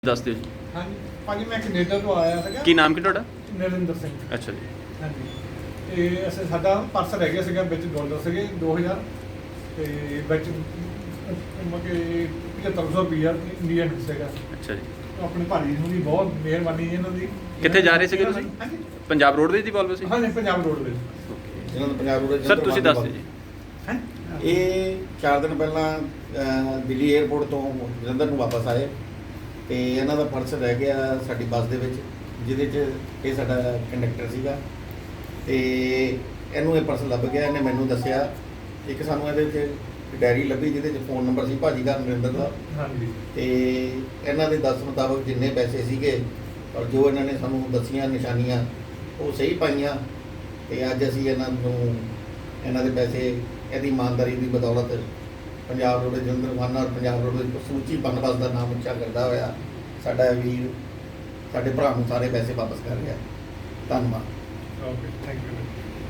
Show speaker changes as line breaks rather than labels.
ਦੱਸ ਦਿਓ ਜੀ।
ਹਾਂਜੀ ਭਾਜੀ ਮੈਂ ਕੈਨੇਡਾ ਤੋਂ ਆਇਆ ਸੀਗਾ।
ਕੀ ਨਾਮ ਕੀ ਤੁਹਾਡਾ?
ਨਰਿੰਦਰ ਸਿੰਘ।
ਅੱਛਾ ਜੀ।
ਹਾਂਜੀ ਤੇ ਅਸੀਂ ਸਾਡਾ ਪਰਸ ਰਹਿ ਗਿਆ ਸੀਗਾ, ਵਿੱਚ ਡਾਲਰ ਸੀਗੇ 2000 ਤੇ ਵਿੱਚ ਮਗੇ 7500 ਰੁਪਈਆ ਇੰਡੀਅਨ ਸੀਗਾ।
ਅੱਛਾ ਜੀ।
ਆਪਣੇ ਭਾਜੀ ਨੂੰ ਵੀ ਬਹੁਤ ਮਿਹਰਬਾਨੀ ਇਹਨਾਂ ਦੀ।
ਕਿੱਥੇ ਜਾ ਰਹੇ ਸੀਗੇ ਤੁਸੀਂ?
ਹਾਂਜੀ
ਪੰਜਾਬ ਰੋਡਵੇਜ਼ ਦੀ ਵੋਲਵੋ ਸੀ?
ਹਾਂਜੀ ਪੰਜਾਬ ਰੋਡ ਵਿੱਚ।
ਇਹਨਾਂ ਦਾ ਪੰਜਾਬ ਰੋਡ
ਸਰ ਤੁਸੀਂ ਦੱਸ ਦਿਓ ਜੀ।
ਇਹ 4 ਦਿਨ ਪਹਿਲਾਂ ਦਿੱਲੀ 에ਅਰਪੋਰਟ ਤੋਂ ਜਲੰਧਰ ਨੂੰ ਵਾਪਸ ਆਏ ਤੇ ਇਹਨਾਂ ਦਾ ਪਰਸ ਰਹਿ ਗਿਆ ਸਾਡੀ ਬੱਸ ਦੇ ਵਿੱਚ, ਜਿਹਦੇ 'ਚ ਇਹ ਸਾਡਾ ਕੰਡਕਟਰ ਸੀਗਾ ਤੇ ਇਹਨੂੰ ਇਹ ਪਰਸ ਲੱਭ ਗਿਆ। ਇਹਨੇ ਮੈਨੂੰ ਦੱਸਿਆ, ਇੱਕ ਸਾਨੂੰ ਇਹਦੇ ਵਿੱਚ ਡਾਇਰੀ ਲੱਭੀ ਜਿਹਦੇ 'ਚ ਫ਼ੋਨ ਨੰਬਰ ਸੀ ਭਾਜੀ ਦਾ, ਨਰਿੰਦਰ ਦਾ।
ਹਾਂਜੀ
ਤੇ ਇਹਨਾਂ ਦੇ ਦੱਸ ਮੁਤਾਬਕ ਜਿੰਨੇ ਪੈਸੇ ਸੀਗੇ ਔਰ ਜੋ ਇਹਨਾਂ ਨੇ ਸਾਨੂੰ ਦੱਸੀਆਂ ਨਿਸ਼ਾਨੀਆਂ ਉਹ ਸਹੀ ਪਾਈਆਂ ਤੇ ਅੱਜ ਅਸੀਂ ਇਹਨਾਂ ਦੇ ਪੈਸੇ ਇਹਦੀ ਇਮਾਨਦਾਰੀ ਦੀ ਬਦੌਲਤ ਪੰਜਾਬ ਰੋਡ ਜਲੰਧਰ ਖਾਨਾ ਔਰ ਪੰਜਾਬ ਰੋਡ ਸੂਚੀ ਬੰਨਬਸ ਦਾ ਨਾਮ ਉੱਚਾ ਕਰਦਾ ਹੋਇਆ ਸਾਡਾ ਵੀਰ ਸਾਡੇ ਭਰਾ ਨੂੰ ਸਾਰੇ ਪੈਸੇ ਵਾਪਸ ਕਰ ਰਿਹਾ। ਧੰਨਵਾਦ।
Okay thank you.